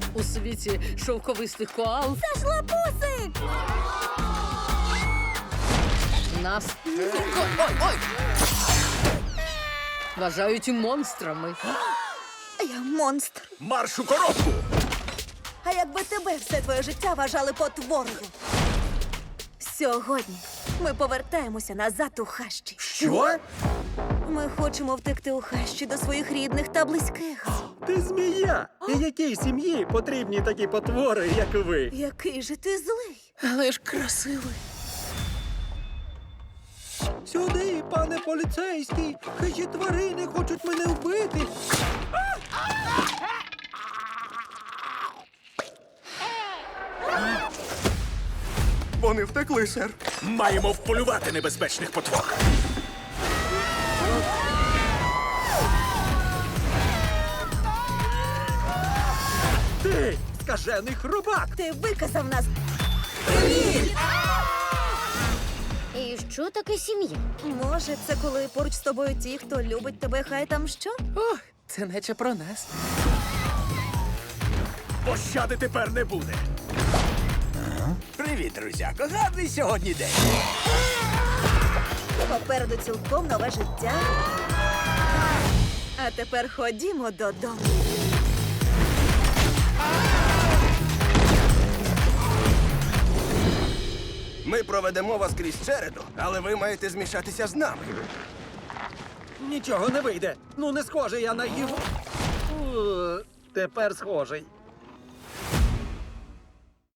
у світі шовковистих коал. Це ж лапусик! Нас ой! Вважають монстрами. Я монстр. Марш у коробку! А якби тебе все твоє життя вважали потворою? Сьогодні ми повертаємося назад у хащі. Що? Ми хочемо втекти у хащі до своїх рідних та близьких. Ти змія! І якій сім'ї потрібні такі потвори, як ви? Який же ти злий? Але ж красивий. Сюди, пане поліцейський! Хижі тварини хочуть мене вбити! Вони втекли, сер. Маємо вполювати небезпечних потвор. Ти скажений хробак! Ти виказав нас. І що таке сім'я? Може, це коли поруч з тобою ті, хто любить тебе, хай там що? О, це наче про нас. Пощади тепер не буде. Привіт, друзяко. Гарний сьогодні день. Попереду цілком нове життя. А тепер ходімо додому. Ми проведемо вас крізь череду, але ви маєте змішатися з нами. Нічого не вийде. Ну, не схожий я на їв. Тепер схожий.